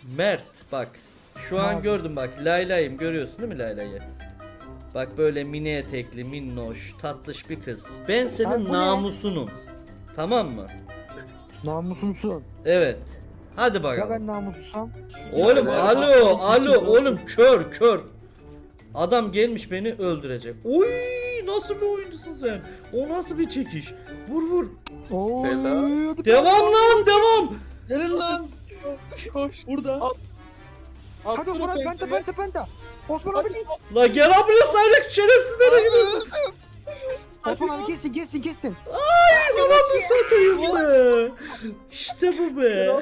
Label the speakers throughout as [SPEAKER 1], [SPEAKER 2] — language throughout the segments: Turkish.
[SPEAKER 1] Mert bak. Şu an gördüm bak. Layla'yım, görüyorsun değil mi Layla'yı? Bak böyle mini etekli, minnoş, tatlış bir kız. Ben senin
[SPEAKER 2] Abi bu ne?
[SPEAKER 1] namusunum. Tamam mı?
[SPEAKER 2] Namusumsun.
[SPEAKER 1] Evet. Hadi
[SPEAKER 2] Ya
[SPEAKER 1] bakalım.
[SPEAKER 2] ben namussuzsam?
[SPEAKER 1] Oğlum
[SPEAKER 3] Ya,
[SPEAKER 1] alo
[SPEAKER 3] aslan küçük
[SPEAKER 1] oğlum kör. Adam gelmiş beni öldürecek. Oy nasıl bir oyuncusun sen? O nasıl bir çekiş? Vur.
[SPEAKER 2] Oy,
[SPEAKER 3] Bela.
[SPEAKER 2] hadi
[SPEAKER 1] Devam lan devam.
[SPEAKER 3] Gelin lan. Koş. Burada.
[SPEAKER 2] Hadi Murat penta. Osman abi git.
[SPEAKER 1] La gel abi buraya sayrak şerefsiz nereye gidiyorsun?
[SPEAKER 2] Osman abi kestin.
[SPEAKER 1] Ananı satayım be. İşte bu be.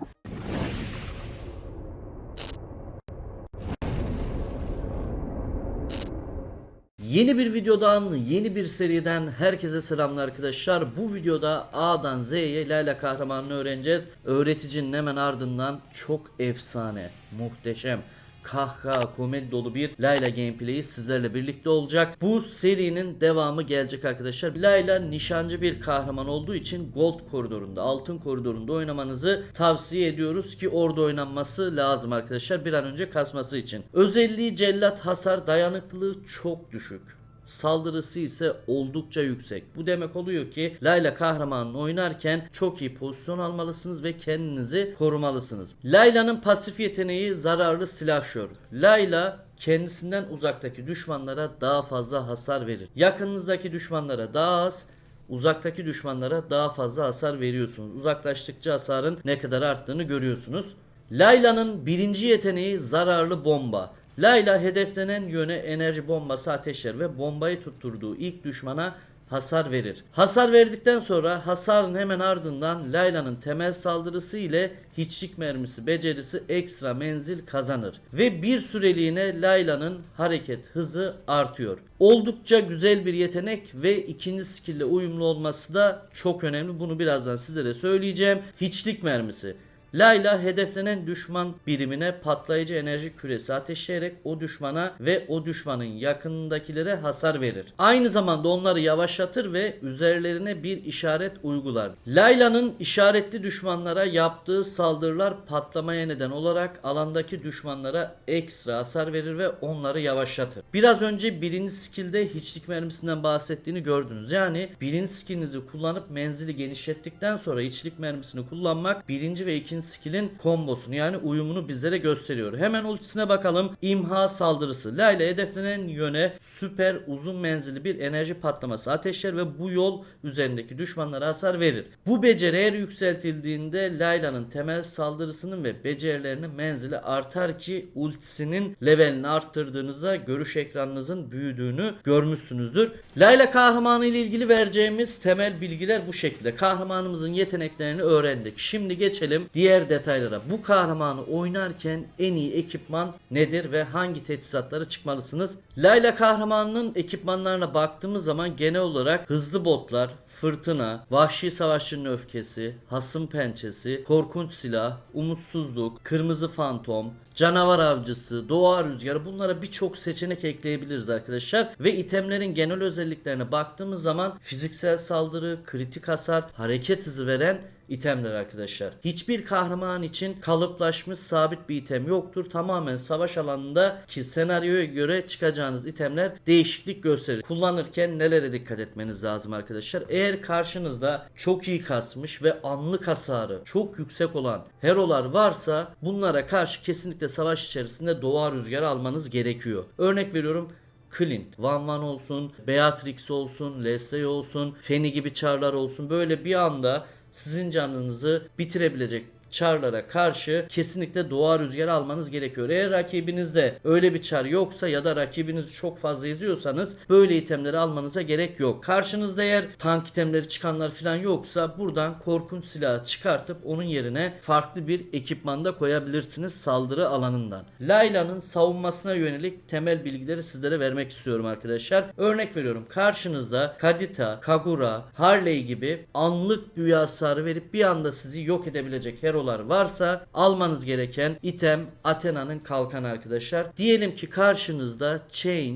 [SPEAKER 1] Yeni bir videodan, yeni bir seriden herkese selamlar arkadaşlar. Bu videoda A'dan Z'ye Layla kahramanını öğreneceğiz. Öğreticinin hemen ardından çok efsane, muhteşem, kahkaha, komedi dolu bir Layla gameplay'i sizlerle birlikte olacak. Bu serinin devamı gelecek arkadaşlar. Layla nişancı bir kahraman olduğu için Gold koridorunda, altın koridorunda oynamanızı tavsiye ediyoruz ki orada oynanması lazım arkadaşlar. Bir an önce kasması için. Özelliği cellat, hasar, dayanıklılığı çok düşük. Saldırısı ise oldukça yüksek. Bu demek oluyor ki Layla kahramanını oynarken çok iyi pozisyon almalısınız ve kendinizi korumalısınız. Layla'nın pasif yeteneği zararlı silahşör. Layla kendisinden uzaktaki düşmanlara daha fazla hasar verir. Yakınınızdaki düşmanlara daha az, uzaktaki düşmanlara daha fazla hasar veriyorsunuz. Uzaklaştıkça hasarın ne kadar arttığını görüyorsunuz. Layla'nın birinci yeteneği zararlı bomba. Layla hedeflenen yöne enerji bombası ateşler ve bombayı tutturduğu ilk düşmana hasar verir. Hasar verdikten sonra hasarın hemen ardından Layla'nın temel saldırısı ile hiçlik mermisi becerisi ekstra menzil kazanır. Ve bir süreliğine Layla'nın hareket hızı artıyor. Oldukça güzel bir yetenek ve ikinci skill ile uyumlu olması da çok önemli. Bunu birazdan sizlere söyleyeceğim. Hiçlik mermisi. Layla hedeflenen düşman birimine patlayıcı enerji küresi ateşleyerek o düşmana ve o düşmanın yakınındakilere hasar verir. Aynı zamanda onları yavaşlatır ve üzerlerine bir işaret uygular. Layla'nın işaretli düşmanlara yaptığı saldırılar patlamaya neden olarak alandaki düşmanlara ekstra hasar verir ve onları yavaşlatır. Biraz önce birinci skill'de hiçlik mermisinden bahsettiğini gördünüz. Yani birinci skill'inizi kullanıp menzili genişlettikten sonra hiçlik mermisini kullanmak birinci ve ikinci skill'in kombosunu yani uyumunu bizlere gösteriyor. Hemen ultisine bakalım. İmha saldırısı. Layla hedeflenen yöne süper uzun menzilli bir enerji patlaması ateşler ve bu yol üzerindeki düşmanlara hasar verir. Bu beceri eğer yükseltildiğinde Layla'nın temel saldırısının ve becerilerinin menzili artar ki ultisinin levelini arttırdığınızda görüş ekranınızın büyüdüğünü görmüşsünüzdür. Layla kahramanı ile ilgili vereceğimiz temel bilgiler bu şekilde. Kahramanımızın yeteneklerini öğrendik. Şimdi geçelim diğer detaylara. Bu kahramanı oynarken en iyi ekipman nedir ve hangi teçhizatları çıkmalısınız? Layla kahramanının ekipmanlarına baktığımız zaman genel olarak hızlı botlar, fırtına, vahşi savaşçının öfkesi, hasım pençesi, korkunç silah, umutsuzluk, kırmızı fantom, canavar avcısı, doğa rüzgarı, bunlara birçok seçenek ekleyebiliriz arkadaşlar. Ve itemlerin genel özelliklerine baktığımız zaman fiziksel saldırı, kritik hasar, hareket hızı veren itemler arkadaşlar. Hiçbir kahraman için kalıplaşmış sabit bir item yoktur. Tamamen savaş alanında ki senaryoya göre çıkacağınız itemler değişiklik gösterir. Kullanırken nelere dikkat etmeniz lazım arkadaşlar? Eğer karşınızda çok iyi kasmış ve anlık hasarı çok yüksek olan herolar varsa bunlara karşı kesinlikle savaş içerisinde doğa rüzgarı almanız gerekiyor. Örnek veriyorum, Clint, Van Van olsun, Beatrix olsun, Leslie olsun, Feni gibi çarlar olsun. Böyle bir anda sizin canınızı bitirebilecek çarlara karşı kesinlikle doğa rüzgarı almanız gerekiyor. Eğer rakibinizde öyle bir çar yoksa ya da rakibinizi çok fazla izliyorsanız böyle itemleri almanıza gerek yok. Karşınızda eğer tank itemleri çıkanlar falan yoksa buradan korkunç silahı çıkartıp onun yerine farklı bir ekipmanda koyabilirsiniz saldırı alanından. Layla'nın savunmasına yönelik temel bilgileri sizlere vermek istiyorum arkadaşlar. Örnek veriyorum, karşınızda Kadita, Kagura, Harley gibi anlık büyü hasarı verip bir anda sizi yok edebilecek herolar varsa almanız gereken item Athena'nın kalkanı arkadaşlar. Diyelim ki karşınızda Change,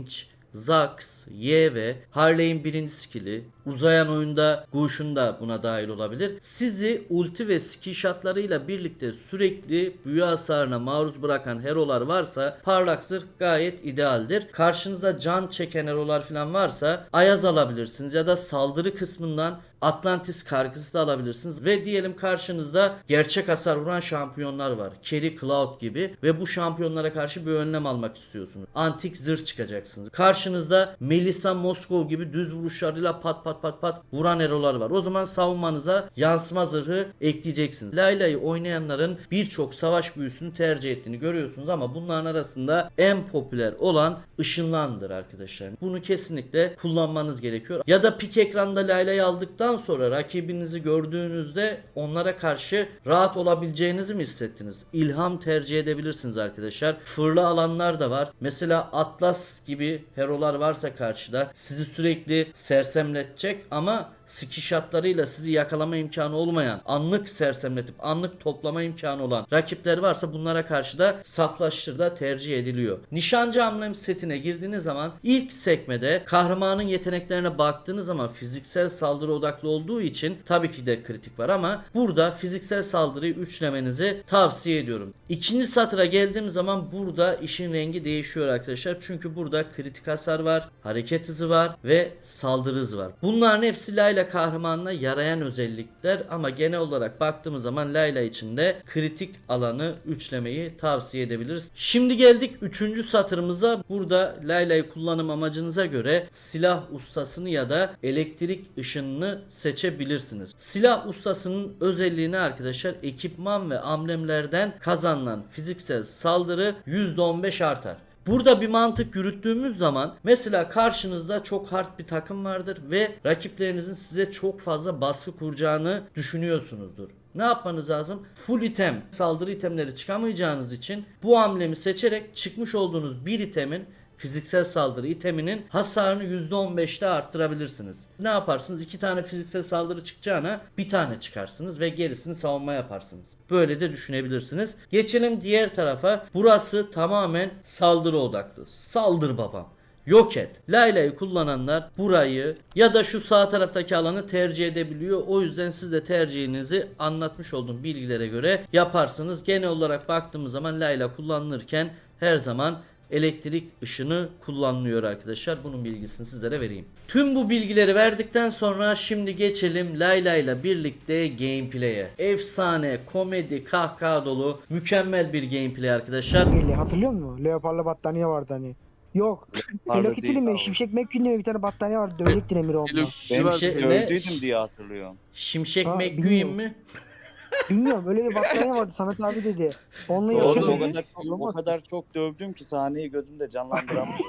[SPEAKER 1] Zax, YV, Harley'in birinci skill'i, uzayan oyunda Gush'un da buna dahil olabilir. Sizi ulti ve skill shotlarıyla birlikte sürekli büyü hasarına maruz bırakan hero'lar varsa parlak zırh gayet idealdir. Karşınızda can çeken hero'lar falan varsa Ayaz alabilirsiniz ya da saldırı kısmından Atlantis kargısı da alabilirsiniz ve diyelim karşınızda gerçek hasar vuran şampiyonlar var. Carry Cloud gibi ve bu şampiyonlara karşı bir önlem almak istiyorsunuz. Antik zırh çıkacaksınız. Karşınızda Melissa Moskov gibi düz vuruşlarıyla pat pat pat pat vuran hero'lar var. O zaman savunmanıza yansıma zırhı ekleyeceksiniz. Layla'yı oynayanların birçok savaş büyüsünü tercih ettiğini görüyorsunuz ama bunların arasında en popüler olan ışınlandır arkadaşlar. Bunu kesinlikle kullanmanız gerekiyor. Ya da pik ekranda Layla'yı aldıktan sonra rakibinizi gördüğünüzde onlara karşı rahat olabileceğinizi mi hissettiniz? İlham tercih edebilirsiniz arkadaşlar. Fırla alanlar da var. Mesela Atlas gibi hero'lar varsa karşıda sizi sürekli sersemletecek ama skill shotlarıyla sizi yakalama imkanı olmayan, anlık sersemletip anlık toplama imkanı olan rakipler varsa bunlara karşı da saflaştır da tercih ediliyor. Nişancı amblem setine girdiğiniz zaman ilk sekmede kahramanın yeteneklerine baktığınız zaman fiziksel saldırı odaklı olduğu için tabii ki de kritik var ama burada fiziksel saldırıyı üçlemenizi tavsiye ediyorum. İkinci satıra geldiğim zaman burada işin rengi değişiyor arkadaşlar. Çünkü burada kritik hasar var, hareket hızı var ve saldırı hızı var. Bunların hepsi Layla kahramanına yarayan özellikler ama genel olarak baktığımız zaman Layla için de kritik alanı üçlemeyi tavsiye edebiliriz. Şimdi geldik 3. satırımıza. Burada Layla'yı kullanım amacınıza göre silah ustasını ya da elektrik ışınını seçebilirsiniz. Silah ustasının özelliğini arkadaşlar ekipman ve amblemlerden kazanılan fiziksel saldırı %15 artar. Burada bir mantık yürüttüğümüz zaman mesela karşınızda çok hard bir takım vardır ve rakiplerinizin size çok fazla baskı kuracağını düşünüyorsunuzdur. Ne yapmanız lazım? Full item, saldırı itemleri çıkamayacağınız için bu hamlemi seçerek çıkmış olduğunuz bir itemin fiziksel saldırı iteminin hasarını %15'te arttırabilirsiniz. Ne yaparsınız? 2 tane fiziksel saldırı çıkacağına bir tane çıkarsınız ve gerisini savunma yaparsınız. Böyle de düşünebilirsiniz. Geçelim diğer tarafa. Burası tamamen saldırı odaklı. Saldır babam. Yok et. Layla'yı kullananlar burayı ya da şu sağ taraftaki alanı tercih edebiliyor. O yüzden siz de tercihinizi anlatmış olduğum bilgilere göre yaparsınız. Genel olarak baktığımız zaman Layla kullanılırken her zaman elektrik ışını kullanılıyor arkadaşlar. Bunun bilgisini sizlere vereyim. Tüm bu bilgileri verdikten sonra şimdi geçelim Layla ile birlikte gameplay'e. Efsane, komedi, kahkaha dolu, mükemmel bir gameplay arkadaşlar.
[SPEAKER 2] Hatırlıyor musun? Leopar'la battaniye vardı hani. Yok. Hello Kitty'li mi? Şimşek McQueen'li mi? Bir tane battaniye vardı. Dövecektin Emir onunla.
[SPEAKER 1] Şimşek ne?
[SPEAKER 4] Öldüydüm diye hatırlıyorum.
[SPEAKER 1] Şimşek
[SPEAKER 2] Ha,
[SPEAKER 1] McQueen
[SPEAKER 2] bilmiyorum.
[SPEAKER 1] mi?
[SPEAKER 2] Bilmiyorum. Öyle bir battaniye vardı. Samet abi dedi. Onunla
[SPEAKER 4] Oğlum
[SPEAKER 2] yapıyor
[SPEAKER 4] o
[SPEAKER 2] dedi.
[SPEAKER 4] kadar çok dövdüm ki sahneyi gözümde canlandıramıyorum.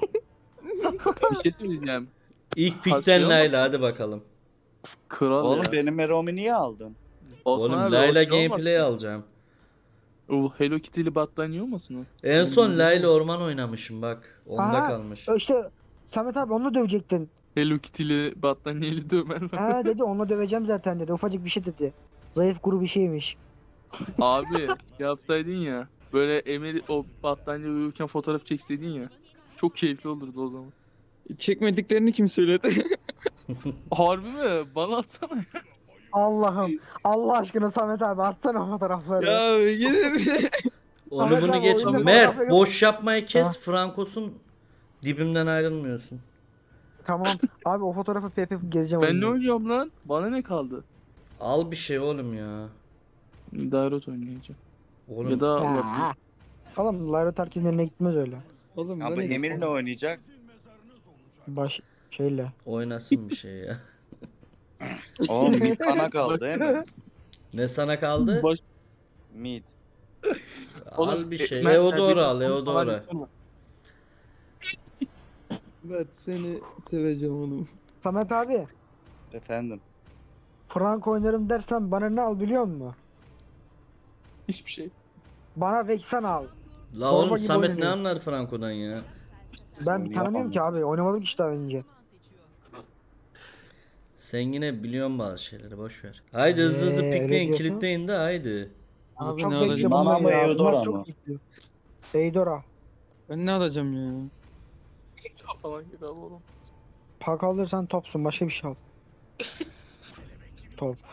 [SPEAKER 5] Bir şey söyleyeceğim.
[SPEAKER 1] İlk pikten
[SPEAKER 5] Kasıyor mu?
[SPEAKER 1] Layla hadi bakalım.
[SPEAKER 5] Kral
[SPEAKER 4] Oğlum
[SPEAKER 5] ya.
[SPEAKER 4] benim Meromi niye aldın?
[SPEAKER 5] Osman
[SPEAKER 1] Oğlum
[SPEAKER 5] abi,
[SPEAKER 1] Layla
[SPEAKER 5] o şey
[SPEAKER 1] gameplay
[SPEAKER 5] olmasın?
[SPEAKER 1] alacağım.
[SPEAKER 5] O Hello Kitty'li battaniye olmasın o?
[SPEAKER 1] En son Layla orman oynamışım bak. Onda
[SPEAKER 2] Aha.
[SPEAKER 1] kalmış.
[SPEAKER 2] İşte Samet abi onunla dövecektin.
[SPEAKER 5] Hello Kitty'li battaniyeli dövmen var.
[SPEAKER 2] Ha dedi onunla döveceğim zaten dedi. Ufacık bir şey dedi. Zayıf kuru bir şeymiş.
[SPEAKER 5] Abi yapsaydın ya. Böyle Emir o battaniye uyurken fotoğraf çekseydin ya. Çok keyifli olurdu o zaman.
[SPEAKER 3] Çekmediklerini kim söyledi?
[SPEAKER 5] Harbi mi? Bana atsana.
[SPEAKER 2] Allah'ım. Allah aşkına Samet abi atsana o fotoğrafları.
[SPEAKER 3] ya gidin.
[SPEAKER 1] Onu
[SPEAKER 2] Ahmet
[SPEAKER 1] bunu
[SPEAKER 2] abi,
[SPEAKER 1] geç.
[SPEAKER 2] oyunda
[SPEAKER 1] Mert
[SPEAKER 2] fotoğrafı yok.
[SPEAKER 1] boş yapmayı kes. Frankos'un dibimden ayrılmıyorsun.
[SPEAKER 2] Tamam. Abi o fotoğrafı PP gezeceğim.
[SPEAKER 5] Ben ne
[SPEAKER 2] oyunda.
[SPEAKER 5] oynuyorum lan? Bana ne kaldı?
[SPEAKER 1] Al bir şey oğlum ya.
[SPEAKER 5] Dairot oynayacağım.
[SPEAKER 1] Oğlum
[SPEAKER 5] Ya da
[SPEAKER 2] Ya. Oğlum Lyra Tarkin'in eline gitmez öyle.
[SPEAKER 3] Oğlum
[SPEAKER 4] Abi Emir ne oynayacak?
[SPEAKER 2] Baş şeyle.
[SPEAKER 1] oynasın bir şey ya.
[SPEAKER 4] Oğlum mid bana kaldı değil mi?
[SPEAKER 1] Ne sana kaldı?
[SPEAKER 5] Baş...
[SPEAKER 4] Mid.
[SPEAKER 1] Al bir şey.
[SPEAKER 5] Mert,
[SPEAKER 1] Eodora
[SPEAKER 5] sen
[SPEAKER 1] al
[SPEAKER 5] bir-
[SPEAKER 1] Eodora.
[SPEAKER 3] Ben seni seveceğim oğlum.
[SPEAKER 2] Samet abi.
[SPEAKER 4] Efendim.
[SPEAKER 2] Frank oynarım dersen bana ne al biliyor musun?
[SPEAKER 5] Hiçbir şey.
[SPEAKER 2] Bana Vexen al.
[SPEAKER 1] La
[SPEAKER 2] Zorba
[SPEAKER 1] oğlum
[SPEAKER 2] gibi
[SPEAKER 1] Samet ne
[SPEAKER 2] oynuyor.
[SPEAKER 1] anlar Franco'dan ya?
[SPEAKER 2] Ben
[SPEAKER 4] Onu
[SPEAKER 2] tanımıyorum
[SPEAKER 4] yapamam.
[SPEAKER 2] ki abi. Oynamadım ki işte daha önce.
[SPEAKER 1] Sen yine biliyorsun bazı şeyleri boş ver. Haydi hızlı hızlı
[SPEAKER 2] öyle
[SPEAKER 1] pikleyin
[SPEAKER 2] diyorsun.
[SPEAKER 1] kilitleyin de haydi.
[SPEAKER 3] Abi
[SPEAKER 2] çok
[SPEAKER 3] ne
[SPEAKER 2] bekle
[SPEAKER 3] alacağım?
[SPEAKER 4] Bana
[SPEAKER 2] bunlar
[SPEAKER 4] mı
[SPEAKER 2] ya.
[SPEAKER 4] Eudora
[SPEAKER 2] Bunlar
[SPEAKER 4] mı?
[SPEAKER 2] çok bekliyor. Eudora.
[SPEAKER 3] Ben ne alacağım ya?
[SPEAKER 5] Falan gibi abi oğlum.
[SPEAKER 2] Pak alırsan topsun, başka bir şey al. Top.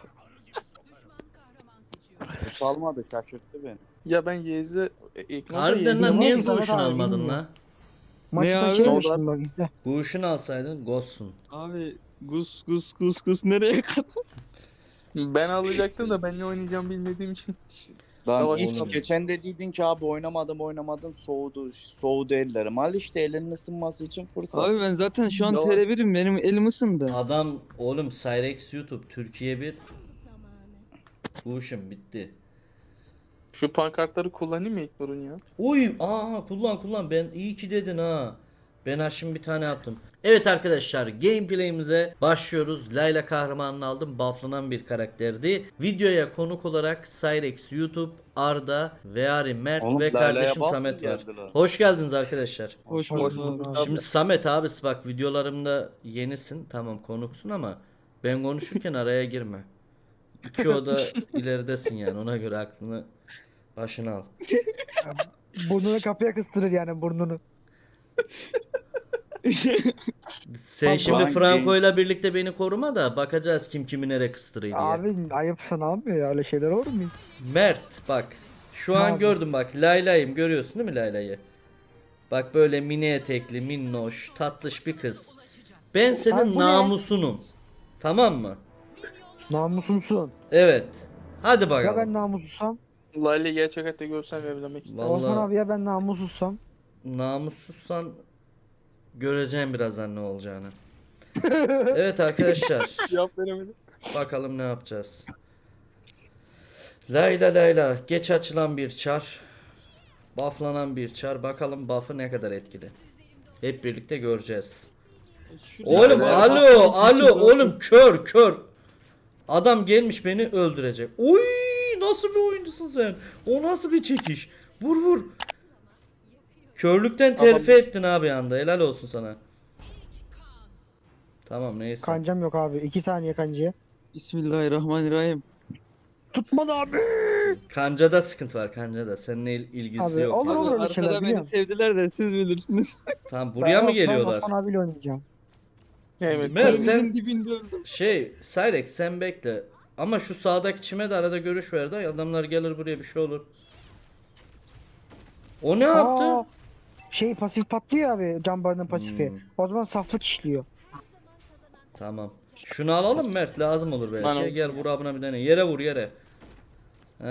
[SPEAKER 4] Bu salmadı şaşırttı beni.
[SPEAKER 5] Ya ben Yez'e ekranı
[SPEAKER 1] Harbiden lan
[SPEAKER 2] Yemin
[SPEAKER 1] niye
[SPEAKER 2] ki
[SPEAKER 1] bu
[SPEAKER 2] Samet
[SPEAKER 1] ışın
[SPEAKER 2] abi
[SPEAKER 1] almadın
[SPEAKER 2] bilmiyor.
[SPEAKER 1] la?
[SPEAKER 2] Maçta
[SPEAKER 3] abi?
[SPEAKER 2] şey
[SPEAKER 3] Solda-
[SPEAKER 2] demiştim bak izle.
[SPEAKER 1] Bu ışın alsaydın Ghost'sun.
[SPEAKER 3] Abi gus nereye kadar?
[SPEAKER 5] Ben alacaktım da ben ne oynayacağım bilmediğim için.
[SPEAKER 4] Lan
[SPEAKER 5] Savaş
[SPEAKER 4] hiç
[SPEAKER 1] oğlum.
[SPEAKER 4] geçen dediydin ki abi oynamadım soğudu ellerim. Al işte elinin ısınması için fırsat.
[SPEAKER 3] Abi ben zaten şu an
[SPEAKER 5] Yalan.
[SPEAKER 3] TR1'im, benim elim ısındı.
[SPEAKER 1] Adam oğlum Cyrex YouTube Türkiye 1. Bu ışın bitti.
[SPEAKER 5] Şu pankartları kullanayım mı İlknur'un ya?
[SPEAKER 1] Uy kullan ben iyi ki dedin ha. Ben ha şimdi bir tane yaptım. Evet arkadaşlar gameplay'imize başlıyoruz. Layla kahramanını aldım. Bufflanan bir karakterdi. Videoya konuk olarak Cyrex YouTube, Arda, Veari, Mert
[SPEAKER 4] Oğlum,
[SPEAKER 1] ve
[SPEAKER 4] Layla'ya
[SPEAKER 1] kardeşim
[SPEAKER 4] buff
[SPEAKER 1] Samet
[SPEAKER 4] mı
[SPEAKER 1] var.
[SPEAKER 4] geldi lan?
[SPEAKER 1] Hoş geldiniz arkadaşlar.
[SPEAKER 3] Hoş
[SPEAKER 2] Hoş
[SPEAKER 3] bulduk
[SPEAKER 2] bulduk
[SPEAKER 3] abi.
[SPEAKER 2] abi.
[SPEAKER 1] Şimdi Samet abisi bak videolarımda yenisin. Tamam konuksun ama ben konuşurken araya girme. İki oda ileridesin yani ona göre aklını başına al.
[SPEAKER 2] Burnunu kapıya kıstırır yani burnunu.
[SPEAKER 1] Sen
[SPEAKER 2] Tamam.
[SPEAKER 1] şimdi
[SPEAKER 4] Lan
[SPEAKER 1] Franco'yla birlikte beni koruma da bakacağız kim kimi nereye kıstırıyor diye.
[SPEAKER 2] Abi ayıp sana abi ya, öyle şeyler olur mu hiç?
[SPEAKER 1] Mert bak şu
[SPEAKER 2] Ne
[SPEAKER 1] an
[SPEAKER 2] abi?
[SPEAKER 1] gördüm bak Layla'yım görüyorsun değil mi Layla'yı? Bak böyle mini etekli minnoş tatlış bir kız. Ben
[SPEAKER 2] Abi
[SPEAKER 1] senin
[SPEAKER 2] bu ne?
[SPEAKER 1] namusunum. Tamam mı?
[SPEAKER 2] Namusumsun.
[SPEAKER 1] Evet. Hadi
[SPEAKER 2] Ya
[SPEAKER 1] bakalım.
[SPEAKER 2] ben namussuzsam?
[SPEAKER 5] Lale'yi gerçek hayatta görsem evlenmek isterim.
[SPEAKER 1] Vallahi-
[SPEAKER 2] Osman abi ya ben namussuzsam?
[SPEAKER 1] Namussuzsan göreceğim birazdan ne olacağını. Evet arkadaşlar.
[SPEAKER 5] Cevap veremedim.
[SPEAKER 1] Bakalım ne yapacağız. Layla geç açılan bir çar. Bufflanan bir çar. Bakalım buff'ı ne kadar etkili. Hep birlikte göreceğiz. Oğlum alo oğlum kör. Adam gelmiş beni öldürecek. Oy nasıl bir oyuncusun sen? O nasıl bir çekiş? Vur. Körlükten terfi ettin abi anda. Helal olsun sana. Tamam neyse.
[SPEAKER 2] Kancam yok abi. 2 saniye kancaya.
[SPEAKER 3] Bismillahirrahmanirrahim.
[SPEAKER 2] Tutmadı abi.
[SPEAKER 1] Kancada sıkıntı var kancada. Seninle ilgisi
[SPEAKER 2] Abi,
[SPEAKER 1] yok.
[SPEAKER 2] olur,
[SPEAKER 1] yani.
[SPEAKER 2] olur. öyle
[SPEAKER 3] Arkada
[SPEAKER 2] şeyler
[SPEAKER 3] beni
[SPEAKER 2] biliyorum.
[SPEAKER 3] sevdiler de siz bilirsiniz.
[SPEAKER 1] Tamam buraya mı geliyorlar?
[SPEAKER 2] Ben Osman abiyle oynayacağım.
[SPEAKER 5] Evet.
[SPEAKER 1] Mer sen
[SPEAKER 3] Elimizin dibinde öldüm.
[SPEAKER 1] Cyrex sen bekle. Ama şu sağdaki çime de arada görüş ver de adamlar gelir buraya bir şey olur. O ne yaptı?
[SPEAKER 2] Aa, şey pasif patlıyor abi, Cambar'ın pasifi.
[SPEAKER 1] Hmm.
[SPEAKER 2] O zaman saflık işliyor.
[SPEAKER 1] Tamam. Şunu alalım Mert lazım olur belki.
[SPEAKER 5] Bana-
[SPEAKER 1] Gel vur abına bir tane. Yere vur yere. Heh.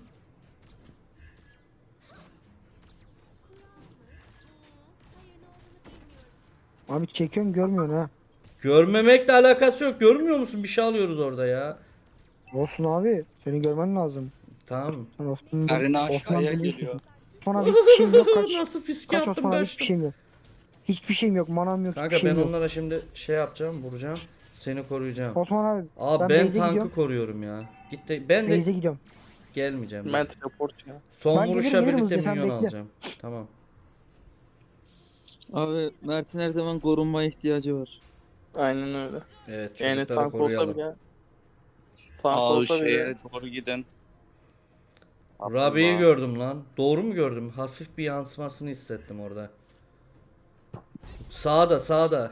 [SPEAKER 2] Abi çekiyorum görmüyorsun ha.
[SPEAKER 1] Görmemekle alakası yok. Görmüyor musun? Bir şey alıyoruz orada ya.
[SPEAKER 2] Olsun abi. Seni görmen lazım.
[SPEAKER 1] Tamam.
[SPEAKER 2] Sen Osman,
[SPEAKER 4] Karına
[SPEAKER 2] Osman
[SPEAKER 4] aşağıya
[SPEAKER 2] biliyorsun.
[SPEAKER 4] geliyor.
[SPEAKER 2] Osman abi hiçbir şeyim yok. Kaç.
[SPEAKER 1] Nasıl fiske
[SPEAKER 2] Kaç
[SPEAKER 1] attım
[SPEAKER 2] Osman abi,
[SPEAKER 1] ben
[SPEAKER 2] hiçbir şeyim yok. Hiçbir şeyim yok. Manam yok.
[SPEAKER 1] Kanka
[SPEAKER 2] hiçbir
[SPEAKER 1] ben
[SPEAKER 2] şeyim yok.
[SPEAKER 1] onlara şimdi şey yapacağım, vuracağım. Seni koruyacağım.
[SPEAKER 2] Osman abi
[SPEAKER 1] Aa
[SPEAKER 2] ben
[SPEAKER 1] ben
[SPEAKER 2] base'e
[SPEAKER 1] tankı
[SPEAKER 2] gidiyorum.
[SPEAKER 1] koruyorum ya. Gitti. Ben de
[SPEAKER 2] Beyze gidiyorum.
[SPEAKER 1] gelmeyeceğim.
[SPEAKER 5] Ben teleport ya.
[SPEAKER 1] Son
[SPEAKER 2] Ben
[SPEAKER 1] vuruşa
[SPEAKER 2] gelirim,
[SPEAKER 1] birlikte
[SPEAKER 2] hızlıca, sen
[SPEAKER 1] minyon
[SPEAKER 2] bekle.
[SPEAKER 1] alacağım. Tamam.
[SPEAKER 3] Abi Mert'in her zaman korunmaya ihtiyacı var.
[SPEAKER 5] Aynen öyle.
[SPEAKER 1] Evet
[SPEAKER 5] Yani
[SPEAKER 1] çocukları
[SPEAKER 5] tank olsa
[SPEAKER 1] koruyalım.
[SPEAKER 5] bile. Tank
[SPEAKER 4] Aa
[SPEAKER 5] olsa bile.
[SPEAKER 4] şeye doğru gidin.
[SPEAKER 1] Rabi'yi
[SPEAKER 4] Abdullah.
[SPEAKER 1] gördüm lan. Doğru mu gördüm? Hafif bir yansımasını hissettim orada. Sağda.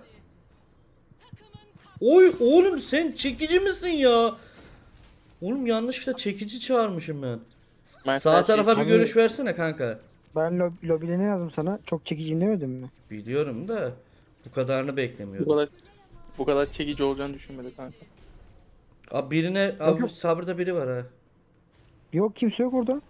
[SPEAKER 1] Oy oğlum sen çekici misin ya? Oğlum yanlışlıkla çekici çağırmışım ben.
[SPEAKER 5] Ben
[SPEAKER 1] Sağ
[SPEAKER 5] her
[SPEAKER 1] tarafa bir
[SPEAKER 2] Abi-
[SPEAKER 1] görüş versene kanka.
[SPEAKER 2] Ben lobide ne yazdım sana? Çok çekiciyim demedim mi?
[SPEAKER 1] Biliyorum da bu kadarını
[SPEAKER 5] bu
[SPEAKER 1] beklemiyordum.
[SPEAKER 5] kadar çekici olacağını düşünmedik kanka.
[SPEAKER 1] Abi birine
[SPEAKER 2] Yok,
[SPEAKER 1] abi
[SPEAKER 2] yok.
[SPEAKER 1] sabırda biri var ha.
[SPEAKER 2] Yok kimse yok orada.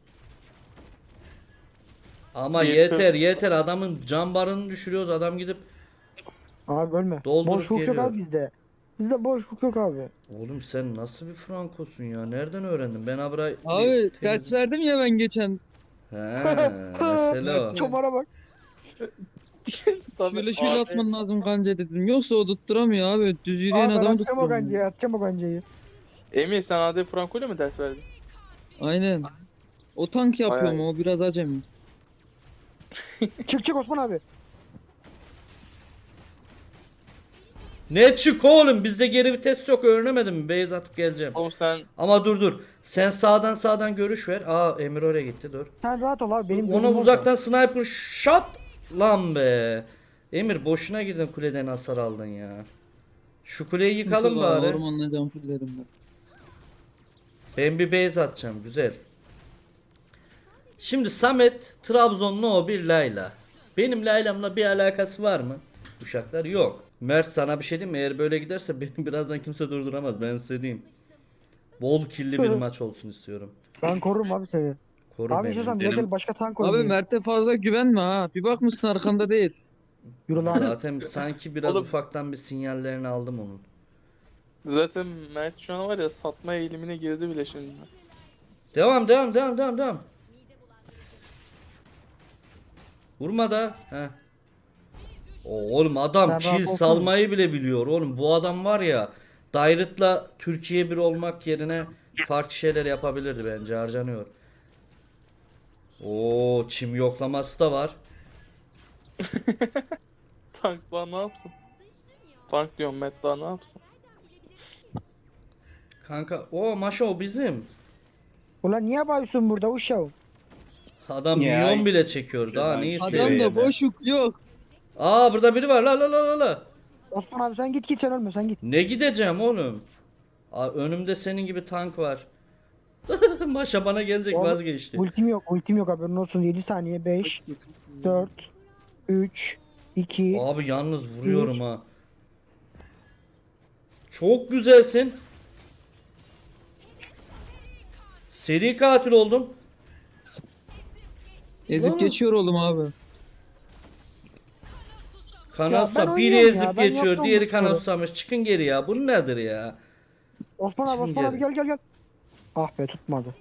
[SPEAKER 1] Ama
[SPEAKER 5] Bir-
[SPEAKER 1] yeter adamın can barını düşürüyoruz adam gidip
[SPEAKER 2] Abi ölme.
[SPEAKER 1] Doldurup
[SPEAKER 2] Boşluk yok
[SPEAKER 1] geliyor.
[SPEAKER 2] abi bizde. Bizde boşluk yok abi.
[SPEAKER 1] oğlum sen nasıl bir frankosun ya nereden öğrendin ben abra
[SPEAKER 3] Abi ders verdim ya ben geçen.
[SPEAKER 1] He mesele o.
[SPEAKER 2] Çomara bak.
[SPEAKER 5] Tabii,
[SPEAKER 3] Şöyle şöyle
[SPEAKER 5] abi,
[SPEAKER 3] atman lazım kanca dedim. Yoksa o tutturamıyor abi. Düz yürüyen
[SPEAKER 2] Abi ben
[SPEAKER 3] adamı
[SPEAKER 2] atacağım o
[SPEAKER 3] tutturamıyor.
[SPEAKER 2] kancayı, atacağım o kancayı.
[SPEAKER 5] Emir sen AD Franco'yla mı ders verdin?
[SPEAKER 3] Aynen. O tank yapıyor
[SPEAKER 5] Bayağı
[SPEAKER 3] mu? O biraz acemi.
[SPEAKER 2] Çık Osman abi.
[SPEAKER 1] Ne çık oğlum bizde geri vites yok öğrenemedim mi base atıp geleceğim.
[SPEAKER 5] Oğlum sen
[SPEAKER 1] Ama dur sen sağdan görüş ver. Aa Emir oraya gitti dur.
[SPEAKER 2] Sen rahat ol abi, benim
[SPEAKER 1] Ona
[SPEAKER 2] gözüm
[SPEAKER 1] uzaktan sniper shot lan be. Emir boşuna girdin kuleden hasar aldın ya. Şu kuleyi yıkalım bari.
[SPEAKER 3] Ormanla can fullerim ben.
[SPEAKER 1] Ben bir base atacağım güzel. Şimdi Samet Trabzonlu o bir Layla. Benim Layla'mla bir alakası var mı? Uşaklar yok. Mert sana bir şey diyeyim mi? Eğer böyle giderse beni birazdan kimse durduramaz. Ben size diyeyim. Bol killi bir maç olsun istiyorum.
[SPEAKER 2] Ben korurum abi seni.
[SPEAKER 1] Koru
[SPEAKER 2] Abi
[SPEAKER 1] beni.
[SPEAKER 2] istiyorsan bir
[SPEAKER 5] benim-
[SPEAKER 2] gel başka tank
[SPEAKER 3] Abi
[SPEAKER 2] oynayayım.
[SPEAKER 3] Mert'e fazla güvenme ha. Bir bakmışsın arkanda değil.
[SPEAKER 2] Yürü lan.
[SPEAKER 1] Zaten sanki biraz
[SPEAKER 5] Oğlum-
[SPEAKER 1] ufaktan bir sinyallerini aldım onun.
[SPEAKER 5] Zaten Mert şu an var ya satma eğilimine girdi bile şimdi.
[SPEAKER 1] Devam. Vurma da. Heh. Oğlum adam
[SPEAKER 2] Sen
[SPEAKER 1] kill
[SPEAKER 2] rahat olsana.
[SPEAKER 1] salmayı bile biliyor oğlum. Bu adam var ya Dairet'la Türkiye bir olmak yerine farklı şeyler yapabilirdi bence, harcanıyor. Oo, çim yoklaması da var.
[SPEAKER 5] Tank daha ne yapsın? Tank diyorum Mert daha ne yapsın?
[SPEAKER 1] Kanka o maşa o bizim.
[SPEAKER 2] Ulan niye yapıyorsun burada uşağım?
[SPEAKER 1] Adam
[SPEAKER 4] Ya,
[SPEAKER 1] milyon bile çekiyor daha
[SPEAKER 4] Adam
[SPEAKER 1] neyi
[SPEAKER 3] Adam
[SPEAKER 1] seviyor
[SPEAKER 3] da
[SPEAKER 1] ya?
[SPEAKER 3] boşluk yok.
[SPEAKER 1] Aa burada biri var la.
[SPEAKER 2] Osman abi sen git sen ölme sen git.
[SPEAKER 1] Ne gideceğim oğlum? Önümde senin gibi tank var. Maşa bana gelecek,
[SPEAKER 2] Oğlum,
[SPEAKER 1] vazgeçti.
[SPEAKER 2] Ultim yok haberin olsun 7 saniye 5 4 3 2
[SPEAKER 1] Abi yalnız vuruyorum ha. Çok güzelsin. Seri katil oldum.
[SPEAKER 3] Ezip
[SPEAKER 1] Oğlum.
[SPEAKER 3] geçiyor oğlum abi.
[SPEAKER 2] Ya
[SPEAKER 1] Kanatsa
[SPEAKER 2] ben
[SPEAKER 1] biri
[SPEAKER 2] oynuyorum
[SPEAKER 1] ezip
[SPEAKER 2] ya, ben
[SPEAKER 1] geçiyor,
[SPEAKER 2] yaptım
[SPEAKER 1] diğeri
[SPEAKER 2] bu sporu.
[SPEAKER 1] kanatsamış. Çıkın geri ya. Bu nedir ya?
[SPEAKER 2] Osman abi
[SPEAKER 1] Şimdi
[SPEAKER 2] Osman abi
[SPEAKER 1] gel.
[SPEAKER 2] gel. Ah be tutmadı.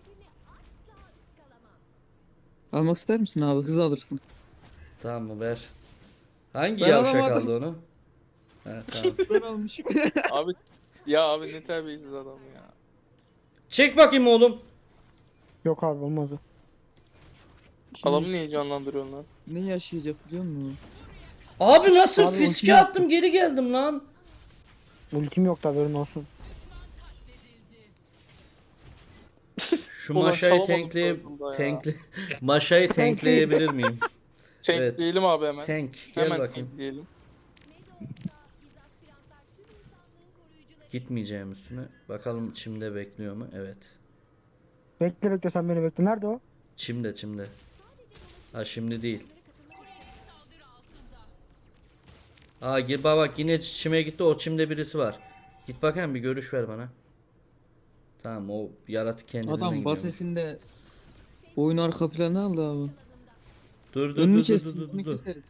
[SPEAKER 3] Almak ister misin abi? Hız alırsın.
[SPEAKER 1] Tamam mı ver. Hangi
[SPEAKER 3] Ben
[SPEAKER 1] yavşak
[SPEAKER 3] alamadım.
[SPEAKER 1] aldı onu? He, tamam.
[SPEAKER 3] Ben almışım.
[SPEAKER 5] Abi ya abi ne terbiyesiz adam ya.
[SPEAKER 1] Çek bakayım oğlum.
[SPEAKER 2] Yok abi olmadı.
[SPEAKER 5] Adamı niye canlandırıyorsun lan?
[SPEAKER 3] Ne yaşayacak biliyor musun?
[SPEAKER 1] Abi nasıl
[SPEAKER 2] Abi
[SPEAKER 1] fiske
[SPEAKER 2] ultim
[SPEAKER 1] attım geri geldim lan.
[SPEAKER 2] Ultim yok da haberin olsun.
[SPEAKER 1] Şu
[SPEAKER 5] Ulan
[SPEAKER 1] maşayı
[SPEAKER 5] çalamadım
[SPEAKER 1] tankleye
[SPEAKER 5] sonunda ya.
[SPEAKER 1] tankle maşayı tankleyebilir miyim?
[SPEAKER 5] Tank
[SPEAKER 1] Evet.
[SPEAKER 5] diyelim abi hemen.
[SPEAKER 1] Tank gel
[SPEAKER 5] Hemen
[SPEAKER 1] bakayım.
[SPEAKER 5] tank diyelim.
[SPEAKER 1] Gitmeyeceğim üstüne. Bakalım çimde bekliyor mu? Evet.
[SPEAKER 2] Bekle sen beni bekle. Nerede o?
[SPEAKER 1] Çimde. Ha şimdi değil. Aa gir bak yine çime gitti, o çimde birisi var. Git bakayım bir görüş ver bana. Tamam o yaratık kendiliğinden
[SPEAKER 3] Adam
[SPEAKER 1] gidiyormuş.
[SPEAKER 3] basesinde oyun arka planı aldı abi.
[SPEAKER 1] Dur
[SPEAKER 3] Önünü kestik. Önünü
[SPEAKER 1] dur.
[SPEAKER 3] keseriz.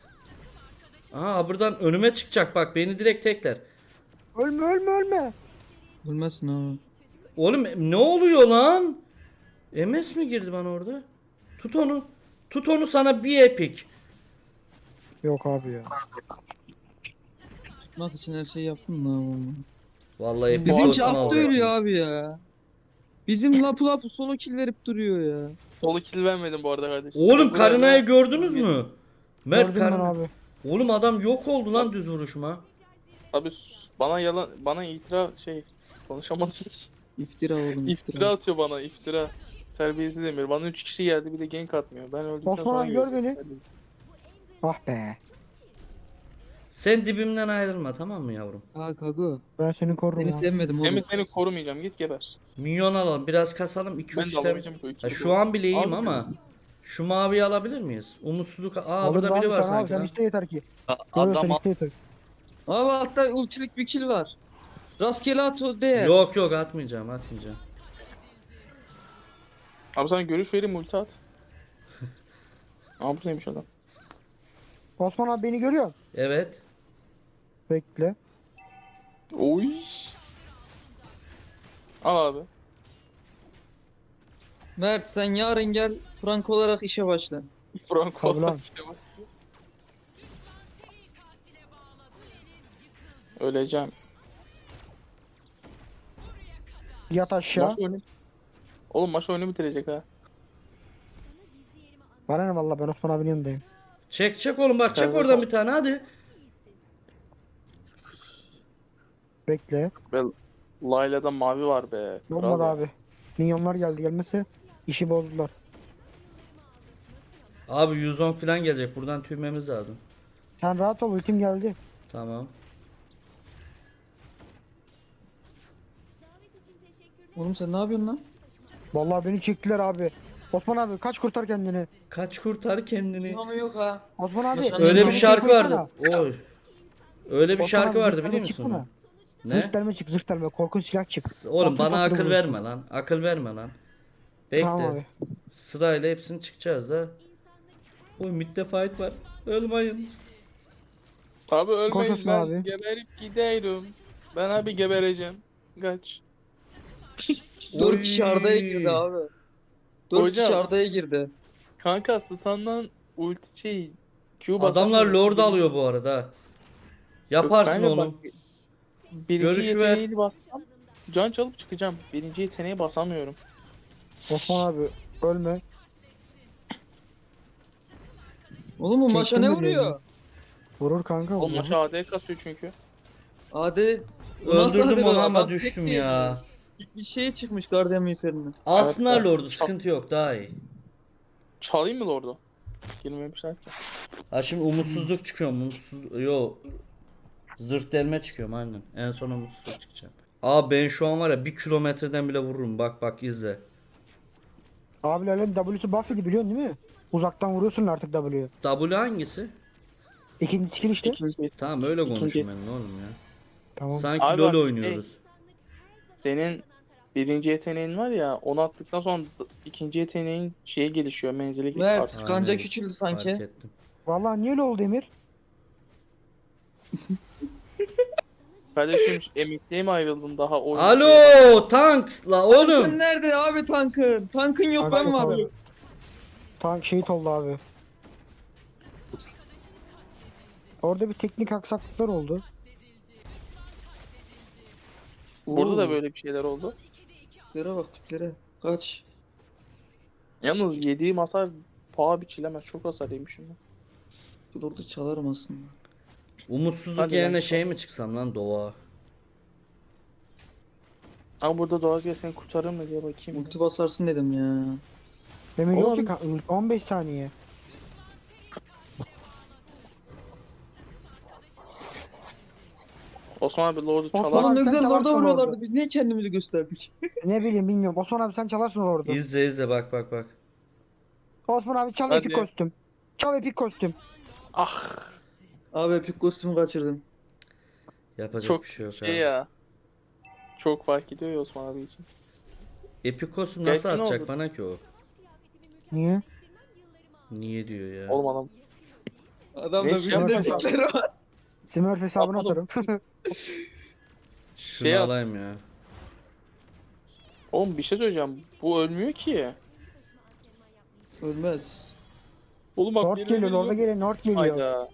[SPEAKER 1] Aa buradan önüme çıkacak bak, beni direkt tekler.
[SPEAKER 2] Ölme.
[SPEAKER 3] Ölmezsin abi.
[SPEAKER 1] Oğlum ne oluyor lan? MS mi girdi bana orada? Tut onu. Tut onu, sana bir epik.
[SPEAKER 2] Yok abi ya.
[SPEAKER 3] Tutmak için her şeyi yaptın da abi.
[SPEAKER 1] Vallahi epik
[SPEAKER 3] Bizimki
[SPEAKER 1] olsun
[SPEAKER 3] attı
[SPEAKER 1] alacaktım.
[SPEAKER 3] ölüyor abi ya. Bizim lapu solo kill verip duruyor ya.
[SPEAKER 5] Solu kill vermedim bu arada kardeşim.
[SPEAKER 1] Oğlum
[SPEAKER 5] Bu
[SPEAKER 1] Karina'yı
[SPEAKER 5] arada-
[SPEAKER 1] gördünüz mü? Mert
[SPEAKER 2] Gördüm ben
[SPEAKER 1] Karina.
[SPEAKER 2] abi.
[SPEAKER 1] Oğlum adam yok oldu lan düz vuruşuma.
[SPEAKER 5] Abi bana yalan bana konuşamadım.
[SPEAKER 3] İftira oğlum
[SPEAKER 5] İftira atıyor bana iftira. Terbiyesiz Emir. Bana 3 kişi geldi bir de gank atmıyor. Ben öldükten
[SPEAKER 2] Osman
[SPEAKER 5] sonra
[SPEAKER 2] abi gör
[SPEAKER 5] gördüm.
[SPEAKER 2] beni. Ah be.
[SPEAKER 1] Sen dibimden ayrılma tamam mı yavrum?
[SPEAKER 3] Ha Kago.
[SPEAKER 2] Ben seni korurum
[SPEAKER 3] Seni
[SPEAKER 2] abi.
[SPEAKER 3] sevmedim oğlum.
[SPEAKER 5] Emir seni korumayacağım git geber.
[SPEAKER 1] Minyon alalım biraz kasalım, 2-3
[SPEAKER 5] Ben de
[SPEAKER 1] item.
[SPEAKER 5] alamayacağım ki o
[SPEAKER 1] Ha,
[SPEAKER 5] ikili
[SPEAKER 1] şu
[SPEAKER 5] bu.
[SPEAKER 1] an bile iyiyim
[SPEAKER 5] Abi,
[SPEAKER 1] ama şu maviyi alabilir miyiz? Umutsuzluk. Aa
[SPEAKER 2] Alırız
[SPEAKER 1] burada biri
[SPEAKER 2] abi,
[SPEAKER 1] var
[SPEAKER 2] sen abi,
[SPEAKER 1] sanki
[SPEAKER 2] sen
[SPEAKER 1] lan.
[SPEAKER 2] iste yeter ki.
[SPEAKER 4] Adam
[SPEAKER 2] Görüyorsan iste yeter.
[SPEAKER 3] Abi hatta ultilik bir kill var. Rastgele at o değer.
[SPEAKER 1] Yok atmayacağım.
[SPEAKER 5] Abi sana görüş vereyim ulti at. Abi bu neymiş adam?
[SPEAKER 2] Osman abi beni görüyor.
[SPEAKER 1] Evet.
[SPEAKER 2] Bekle.
[SPEAKER 5] Oy. Al abi.
[SPEAKER 3] Mert sen yarın gel Frank olarak işe başla.
[SPEAKER 5] Franco.
[SPEAKER 2] Tabii lan.
[SPEAKER 5] Öleceğim.
[SPEAKER 2] Yat aşağı.
[SPEAKER 5] Maç oyunu. Oğlum maç oyunu bitirecek ha.
[SPEAKER 2] Bana ne valla ben Osman abinin yanındayım.
[SPEAKER 1] Çek oğlum bak, çek
[SPEAKER 5] Evet,
[SPEAKER 1] oradan bir tane hadi.
[SPEAKER 2] Bekle.
[SPEAKER 5] Layla'da mavi var be.
[SPEAKER 2] Olmadı
[SPEAKER 5] Kral ya.
[SPEAKER 2] abi. Minyonlar gelmese işi bozdular.
[SPEAKER 1] Abi 110 falan gelecek, buradan tüymemiz lazım.
[SPEAKER 2] Sen rahat ol, ultim geldi.
[SPEAKER 1] Tamam.
[SPEAKER 3] Oğlum sen ne yapıyorsun lan?
[SPEAKER 2] Vallahi beni çektiler abi. Osman abi kaç, kurtar kendini.
[SPEAKER 1] Kaç kurtar kendini.
[SPEAKER 3] Ama yok ha.
[SPEAKER 2] Osman abi.
[SPEAKER 3] Başkan
[SPEAKER 1] Öyle bir
[SPEAKER 3] Beni
[SPEAKER 1] şarkı
[SPEAKER 2] koysana.
[SPEAKER 1] vardı. Oy. Öyle bir
[SPEAKER 2] Osman
[SPEAKER 1] şarkı
[SPEAKER 2] abi,
[SPEAKER 1] vardı
[SPEAKER 2] zırh
[SPEAKER 1] biliyor
[SPEAKER 2] delme çık
[SPEAKER 1] musun?
[SPEAKER 2] buna.
[SPEAKER 1] Ne?
[SPEAKER 2] Zırh delme çık, zırh delme. Korkunç silah çık.
[SPEAKER 1] Oğlum
[SPEAKER 2] Patır
[SPEAKER 1] bana
[SPEAKER 2] patır
[SPEAKER 1] akıl
[SPEAKER 2] vurursun.
[SPEAKER 1] verme lan. Akıl verme lan. Bekle.
[SPEAKER 2] Tamam abi.
[SPEAKER 1] Sırayla hepsini çıkacağız da. Oy midde fight var. Ölmeyin.
[SPEAKER 5] Abi ölmeyin,
[SPEAKER 2] Konuşma
[SPEAKER 5] ben
[SPEAKER 2] abi.
[SPEAKER 5] geberip gidiyorum. Ben abi gebereceğim. Kaç.
[SPEAKER 3] 4 kişi Arda'ya girdi abi. 4
[SPEAKER 5] Hocam.
[SPEAKER 3] kişi Arda'ya girdi.
[SPEAKER 5] Kanka stun'dan ulti şey Q
[SPEAKER 1] Adamlar
[SPEAKER 5] basamıyorum.
[SPEAKER 1] lord alıyor bu arada. Yaparsın
[SPEAKER 5] Kanka bak,
[SPEAKER 1] oğlum.
[SPEAKER 5] birinci
[SPEAKER 1] Görüş ver.
[SPEAKER 5] yeteneğini bassam can çalıp çıkacağım. Birinci yeteneği basamıyorum.
[SPEAKER 2] Osman abi ölme.
[SPEAKER 3] Oğlum bu maşa ne
[SPEAKER 2] Çektim
[SPEAKER 3] vuruyor?
[SPEAKER 2] birini. Vurur kanka.
[SPEAKER 5] O
[SPEAKER 2] vurur.
[SPEAKER 5] maçı AD kasıyor çünkü.
[SPEAKER 3] Ade Nasıl
[SPEAKER 1] Öldürdüm
[SPEAKER 3] hadi
[SPEAKER 1] onu
[SPEAKER 3] be,
[SPEAKER 1] ama
[SPEAKER 3] adam
[SPEAKER 1] düştüm
[SPEAKER 3] tek
[SPEAKER 1] ya.
[SPEAKER 3] bir şeye çıkmış Guardian miğferine.
[SPEAKER 1] Alsınlar
[SPEAKER 5] Evet,
[SPEAKER 1] lordu, sıkıntı yok, daha iyi.
[SPEAKER 5] Çalayım mı Lord'u? Girmemişler ki.
[SPEAKER 1] Ha şimdi umutsuzluk çıkıyorum. Yo. Zırh delme çıkıyorum aynen. En son umutsuzluk çıkacağım. Aa ben şu an var ya 1 kilometreden bile vururum. Bak bak izle.
[SPEAKER 2] Abilerle W'su buff idi biliyorsun değil mi? Uzaktan vuruyorsun artık W'yu.
[SPEAKER 1] W hangisi?
[SPEAKER 2] İkinci skill işte.
[SPEAKER 5] İkinci.
[SPEAKER 1] Tamam öyle
[SPEAKER 5] İkinci.
[SPEAKER 1] konuşun benimle oğlum ya.
[SPEAKER 2] Tamam.
[SPEAKER 1] Sanki
[SPEAKER 5] Abi
[SPEAKER 1] LoL
[SPEAKER 5] bak,
[SPEAKER 1] oynuyoruz.
[SPEAKER 5] Senin birinci yeteneğin var ya, onu attıktan sonra ikinci yeteneğin şeye gelişiyor, menzili gelişiyor.
[SPEAKER 3] Mert
[SPEAKER 1] Aynen.
[SPEAKER 3] kanca küçüldü
[SPEAKER 1] Fark
[SPEAKER 3] sanki.
[SPEAKER 1] ettim.
[SPEAKER 2] Vallahi niye öyle oldu Emir?
[SPEAKER 5] Kardeşim emekliye mi ayrıldın daha oyun?
[SPEAKER 1] Alo tank la
[SPEAKER 3] Tankın
[SPEAKER 1] oğlum.
[SPEAKER 3] nerede abi tankın? Tankın yok ben
[SPEAKER 2] Kanka,
[SPEAKER 3] varım.
[SPEAKER 2] Tank şehit oldu abi. Orada bir teknik aksaklıklar oldu.
[SPEAKER 5] Burada da
[SPEAKER 3] Oo,
[SPEAKER 5] böyle bir şeyler oldu.
[SPEAKER 3] tiplere bak tiplere. Kaç.
[SPEAKER 5] Yalnız yediğim hasar paha biçilemez. Çok hasar yemişim ben.
[SPEAKER 3] Bu orada çalarım aslında.
[SPEAKER 1] Umutsuzluk
[SPEAKER 5] Hadi
[SPEAKER 1] yerine
[SPEAKER 5] lan.
[SPEAKER 1] şey mi çıksam lan doğa?
[SPEAKER 5] Ama burada Doğaz gel seni kurtarır mı diye bakayım.
[SPEAKER 3] Multi basarsın dedim ya.
[SPEAKER 2] Emir yok
[SPEAKER 5] Oğlum.
[SPEAKER 2] ki 15 saniye.
[SPEAKER 5] Osman abi Lord'u
[SPEAKER 2] Osman
[SPEAKER 5] çalar.
[SPEAKER 3] Oğlum ne
[SPEAKER 2] sen
[SPEAKER 3] güzel
[SPEAKER 2] çalarsın
[SPEAKER 3] orada vuruyorlardı.
[SPEAKER 2] orada.
[SPEAKER 3] Biz niye kendimizi gösterdik?
[SPEAKER 2] Ne bileyim bilmiyorum. Osman abi sen çalarsın orada.
[SPEAKER 1] İzle izle bak bak bak.
[SPEAKER 2] Osman abi çal
[SPEAKER 5] Hadi.
[SPEAKER 2] epik kostüm. Çal epik kostüm.
[SPEAKER 5] Ah
[SPEAKER 3] Abi epik kostümü kaçırdım.
[SPEAKER 1] Yapacak
[SPEAKER 5] çok
[SPEAKER 1] bir şey yok
[SPEAKER 5] şey
[SPEAKER 1] abi.
[SPEAKER 5] ya. Çok fark ediyor ya Osman abi için.
[SPEAKER 1] Epikos'um
[SPEAKER 5] Gerçi
[SPEAKER 1] nasıl
[SPEAKER 5] ne
[SPEAKER 1] atacak
[SPEAKER 5] oldu?
[SPEAKER 1] bana ki o?
[SPEAKER 2] Niye?
[SPEAKER 1] Niye diyor ya?
[SPEAKER 5] Oğlum adam.
[SPEAKER 3] Adamda
[SPEAKER 5] Neyse,
[SPEAKER 3] bir de
[SPEAKER 2] yapacağım.
[SPEAKER 3] epikleri var.
[SPEAKER 2] Smurf hesabını
[SPEAKER 5] Yapalım.
[SPEAKER 2] atarım.
[SPEAKER 1] Şunu
[SPEAKER 5] Şey at.
[SPEAKER 1] alayım ya.
[SPEAKER 5] Oğlum bir şey söyleyeceğim. Bu ölmüyor ki.
[SPEAKER 3] Ölmez.
[SPEAKER 5] Oğlum bak
[SPEAKER 2] North geliyor, orada geliyor, North geliyor.
[SPEAKER 5] Hayda.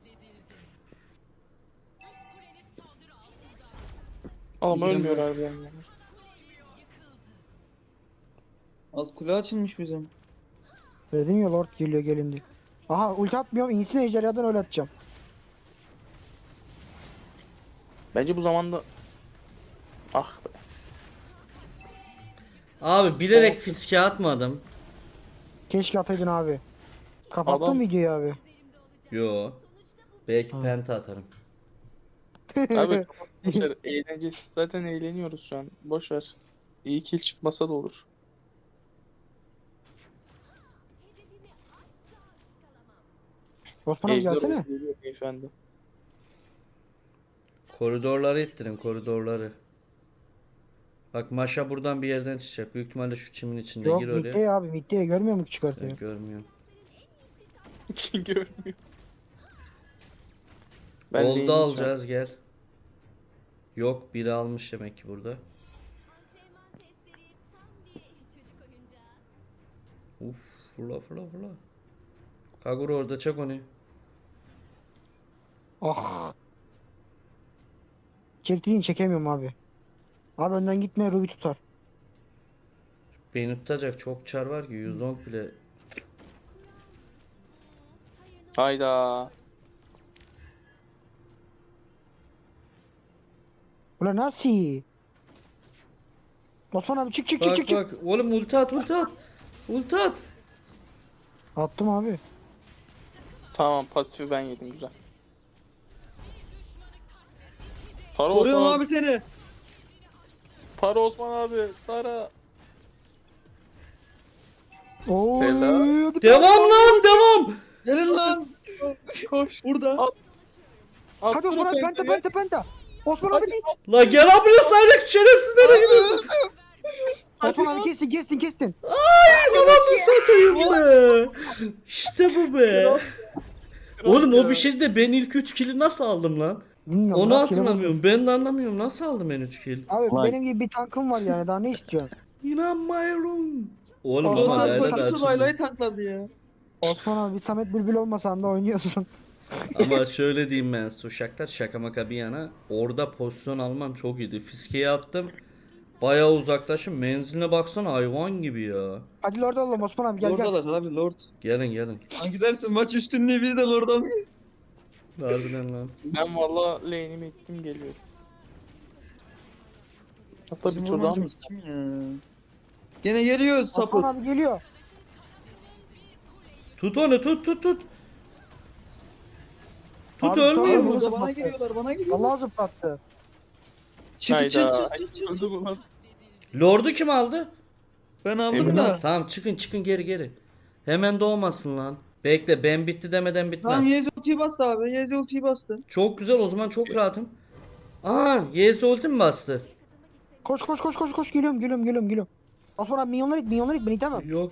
[SPEAKER 5] Oğlum
[SPEAKER 3] Bizim
[SPEAKER 5] ölmüyor
[SPEAKER 3] de-
[SPEAKER 5] abi yani.
[SPEAKER 3] Alt kule açılmış bizim.
[SPEAKER 2] Dedim ya Lord geliyor gelindi. Aha ulti atmıyorum, iyisini ejderhadan öyle atacağım.
[SPEAKER 5] Bence bu zamanda... Ah be.
[SPEAKER 1] Abi bilerek fiske atmadım.
[SPEAKER 2] Keşke ataydın abi. Kapattın
[SPEAKER 5] Adam-
[SPEAKER 2] videoyu abi.
[SPEAKER 1] Yo. Belki
[SPEAKER 2] Ha.
[SPEAKER 1] penta atarım.
[SPEAKER 5] Abi boşver, eğlencesi. Zaten eğleniyoruz şu an. Boş ver. İyi kill çıkmasa da olur.
[SPEAKER 2] Osman abi
[SPEAKER 5] Ejder
[SPEAKER 2] gelsene.
[SPEAKER 5] oldu, geliyor beyefendi.
[SPEAKER 1] Koridorları ittirin koridorları. Bak Maşa buradan bir yerden çıkacak. Büyük ihtimalle şu çimin içinde
[SPEAKER 2] Yok
[SPEAKER 1] gir oraya.
[SPEAKER 2] midde abi, midde görmüyor musun
[SPEAKER 1] Ben
[SPEAKER 2] çıkartıyor?
[SPEAKER 1] görmüyorum.
[SPEAKER 5] Için görmüyor.
[SPEAKER 1] Oldu
[SPEAKER 5] değilim şu an.
[SPEAKER 1] alacağız gel. Yok biri almış demek ki burada. Uf fırla fırla fırla. Kagura orada çak onu.
[SPEAKER 2] Ah. Çektiğin çekemiyorum abi. Abi önden gitme, Ruby tutar.
[SPEAKER 1] Beni tutacak çok çar var ki 110 bile.
[SPEAKER 5] Hayda.
[SPEAKER 2] Ulan nasıl? Osman abi çık çık çık
[SPEAKER 1] Bak
[SPEAKER 2] çık çık.
[SPEAKER 1] bak oğlum ulti at ulti at. Ulti at.
[SPEAKER 2] Attım abi.
[SPEAKER 5] Tamam pasifi ben yedim güzel. Tara
[SPEAKER 3] Koruyorum
[SPEAKER 5] Osman
[SPEAKER 3] abi seni.
[SPEAKER 5] Tara Osman abi. Tara.
[SPEAKER 2] Oo.
[SPEAKER 5] Helal.
[SPEAKER 1] Devam lan devam.
[SPEAKER 3] Gelin lan.
[SPEAKER 5] Koş.
[SPEAKER 3] Burada.
[SPEAKER 5] At.
[SPEAKER 2] Hadi Osman abi penta. Osman abi değil.
[SPEAKER 1] La gel buraya Cyrex şerefsiz nereye gidiyorsun?
[SPEAKER 2] Osman abi kestin.
[SPEAKER 1] Yalanını satayım be. İşte bu be. Oğlum o bir şey de ben ilk 3 kill'i nasıl aldım lan?
[SPEAKER 2] Bilmiyorum,
[SPEAKER 1] Onu
[SPEAKER 2] rastgele
[SPEAKER 1] hatırlamıyorum. Ben de anlamıyorum. Nasıl aldım ben 3 kill?
[SPEAKER 2] Abi
[SPEAKER 4] Vay.
[SPEAKER 2] benim gibi bir tankım var yani daha ne istiyorsun?
[SPEAKER 1] İnanmıyorum. Oğlum
[SPEAKER 2] Osman
[SPEAKER 1] ama
[SPEAKER 3] Dostlar
[SPEAKER 2] abi,
[SPEAKER 1] Layla da
[SPEAKER 3] koşu
[SPEAKER 1] açıldı.
[SPEAKER 3] Layla'yı tankladı ya.
[SPEAKER 2] Osman abi Samet Bülbül olmasan da oynuyorsun.
[SPEAKER 1] Ama şöyle diyeyim ben Suşaklar şaka maka bir yana. Orada pozisyon almam çok iyiydi. Fiskeyi attım. Bayağı uzaklaşım. Menziline baksana hayvan gibi ya.
[SPEAKER 2] Hadi Lord oğlum Osman abi gel.
[SPEAKER 3] Lord'a abi Lord.
[SPEAKER 1] Gelin.
[SPEAKER 3] Hangi dersin maç üstünlüğü biz de Lord almayız.
[SPEAKER 1] Harbiden lan.
[SPEAKER 5] Ben valla lane'imi ettim geliyorum. Hatta bir
[SPEAKER 3] Bizim
[SPEAKER 5] tur daha mı?
[SPEAKER 3] vurmancımız kim ya? Gene geliyor sapık.
[SPEAKER 2] Osman abi geliyor.
[SPEAKER 1] Tut onu tut. Tut
[SPEAKER 2] Abi,
[SPEAKER 1] ölmeyeyim.
[SPEAKER 2] tamam.
[SPEAKER 3] Burada bana geliyorlar bana geliyorlar.
[SPEAKER 2] Vallahi zıplattı.
[SPEAKER 3] Çık.
[SPEAKER 5] Hayda. Öldü bu lan.
[SPEAKER 1] Lord'u kim aldı?
[SPEAKER 3] Ben aldım
[SPEAKER 5] Emin
[SPEAKER 3] da.
[SPEAKER 1] Tamam çıkın geri. Hemen doğmasın lan. Bekle ben bitti demeden bitmez.
[SPEAKER 3] Tamam Yezi ultiyi bastı abi. Yezi ultiyi bastı.
[SPEAKER 1] Çok güzel o zaman çok rahatım. Aa YS ulti mi bastı?
[SPEAKER 2] Koş geliyorum. Osman abi milyonlar it beni tamam.
[SPEAKER 1] Yok.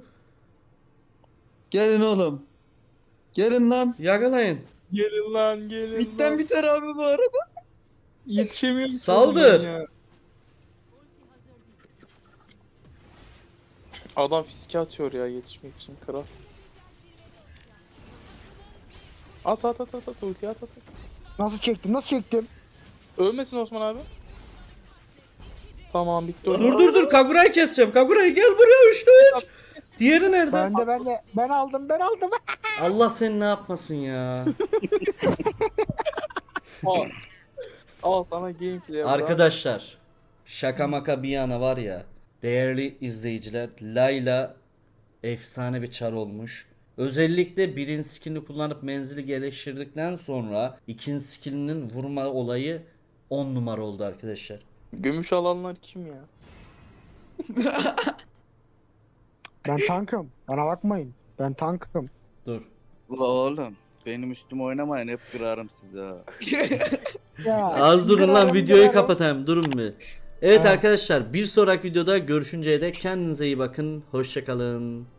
[SPEAKER 3] Gelin oğlum. Gelin lan.
[SPEAKER 1] Yakalayın.
[SPEAKER 5] Gelin lan gelin
[SPEAKER 3] Bitten
[SPEAKER 5] lan.
[SPEAKER 3] biter abi bu arada.
[SPEAKER 5] Yetişemiyorum. ki
[SPEAKER 1] Saldır.
[SPEAKER 5] ben ya. Adam fiske atıyor ya yetişmek için kral. At ulti at.
[SPEAKER 2] Nasıl çektim?
[SPEAKER 5] Ölmesin Osman abi. Tamam bitti.
[SPEAKER 1] Dur Kagura'yı keseceğim. Kagura'yı gel buraya 3'te 3. Diğeri nerede?
[SPEAKER 2] Ben aldım.
[SPEAKER 1] Allah seni ne yapmasın ya.
[SPEAKER 5] Al sana gameplay.
[SPEAKER 1] Arkadaşlar şaka maka bir yana var ya. Değerli izleyiciler Layla efsane bir çar olmuş. Özellikle birinci skillini kullanıp menzili geliştirdikten sonra ikinci skillinin vurma olayı 10 numara oldu arkadaşlar.
[SPEAKER 5] Gümüş alanlar kim ya?
[SPEAKER 2] Ben tankım. Bana bakmayın. Ben tankım.
[SPEAKER 1] Dur.
[SPEAKER 4] Ula oğlum benim üstüme oynamayın hep kırarım size ha.
[SPEAKER 2] Ya,
[SPEAKER 1] Az durun lan
[SPEAKER 2] kırarım,
[SPEAKER 1] videoyu
[SPEAKER 2] kırarım.
[SPEAKER 1] kapatayım durun bir. Evet
[SPEAKER 2] Ha.
[SPEAKER 1] arkadaşlar bir sonraki videoda görüşünceye dek kendinize iyi bakın. Hoşçakalın.